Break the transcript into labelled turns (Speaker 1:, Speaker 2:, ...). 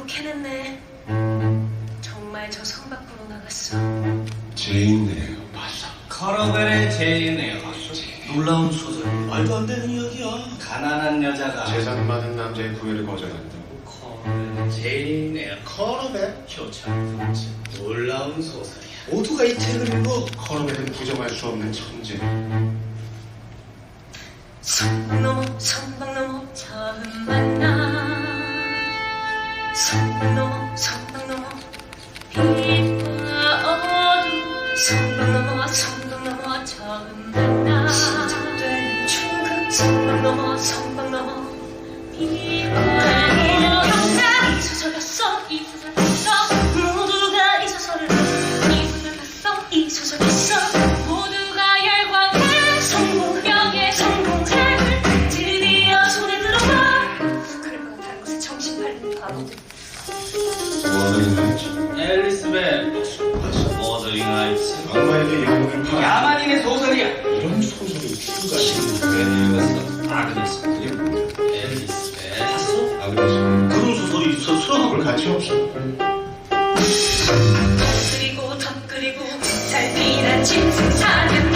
Speaker 1: 결국 해냈네. 정말 저 성 밖으로 나갔어.
Speaker 2: 제인 에어 맞아.
Speaker 3: 커러벨의 제인 에어. 놀라운 소설.
Speaker 2: 말도 안 되는 이야기야.
Speaker 3: 가난한 여자가
Speaker 2: 재산 많은 남자의 구애를 거절한다고.
Speaker 3: 커러벨의 제인 에어.
Speaker 2: 커러벨?
Speaker 3: 효찬 분지. 놀라운 소설이야.
Speaker 2: 모두가 이 책을 읽어. 커러벨은 부정할 수 없는 천재.
Speaker 1: 성방 넘어 처음 만나. 성방 넘어 빛과 어둠. 성방 넘어 처음 만나. 시작된 충급. 성방 넘어 빛과 어둠. 이 소설이었어 모두가 이 소설을 이 소설 봤어 이 소설 봤어. 모두가 열광해 성공력의 성공책을 드디어 손에 들어봐. 그럴 거 다른 것에 정신 팔리는 바보들.
Speaker 2: 워너링 하이츠.
Speaker 3: 앨리스벳 워더링 하이츠.
Speaker 2: 악마에게 영혼을 팔아.
Speaker 3: 야만인의 소설이야.
Speaker 2: 이런 소설이 필요가
Speaker 3: 왜 읽었어? 아그네스.
Speaker 2: 그게 뭐야?
Speaker 3: 앨리스벳. 봤어?
Speaker 2: 아그네스.
Speaker 3: 그런 소설이 있었어?
Speaker 2: 볼 가치 없어.
Speaker 1: 더 그리고 잘 피난 짐승 사냥.